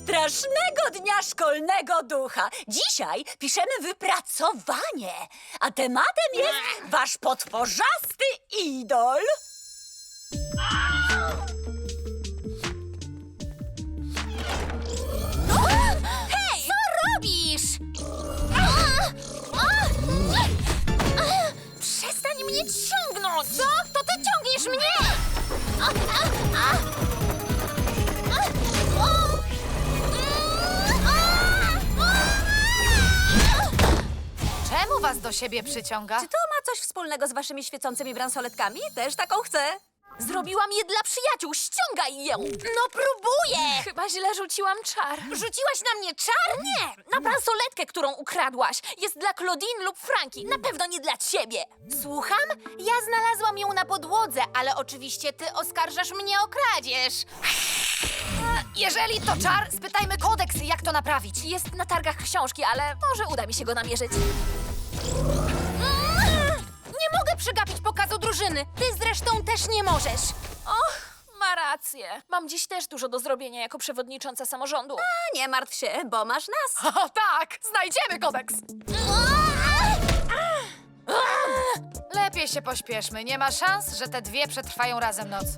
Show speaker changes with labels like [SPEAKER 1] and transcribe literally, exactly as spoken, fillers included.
[SPEAKER 1] Strasznego dnia szkolnego ducha. Dzisiaj piszemy wypracowanie, a tematem jest wasz potworzasty idol.
[SPEAKER 2] Hej! Co robisz? Przestań mnie ciągnąć! Co? To ty ciągniesz mnie!
[SPEAKER 3] Czemu was do siebie przyciąga?
[SPEAKER 1] Czy to ma coś wspólnego z waszymi świecącymi bransoletkami? Też taką chcę.
[SPEAKER 2] Zrobiłam je dla przyjaciół, ściągaj ją! No próbuję!
[SPEAKER 4] Chyba źle rzuciłam czar.
[SPEAKER 2] Rzuciłaś na mnie czar? Nie, na bransoletkę, którą ukradłaś. Jest dla Claudine lub Franki, na pewno nie dla ciebie. Słucham? Ja znalazłam ją na podłodze, ale oczywiście ty oskarżasz mnie o kradzież.
[SPEAKER 3] Jeżeli to czar, spytajmy kodeks, jak to naprawić.
[SPEAKER 4] Jest na targach książki, ale może uda mi się go namierzyć.
[SPEAKER 2] Nie mogę przegapić pokazu drużyny. Ty zresztą też nie możesz.
[SPEAKER 4] Och, ma rację. Mam dziś też dużo do zrobienia jako przewodnicząca samorządu.
[SPEAKER 1] A nie martw się, bo masz nas.
[SPEAKER 3] O tak, znajdziemy kodeks. Lepiej się pośpieszmy. Nie ma szans, że te dwie przetrwają razem noc.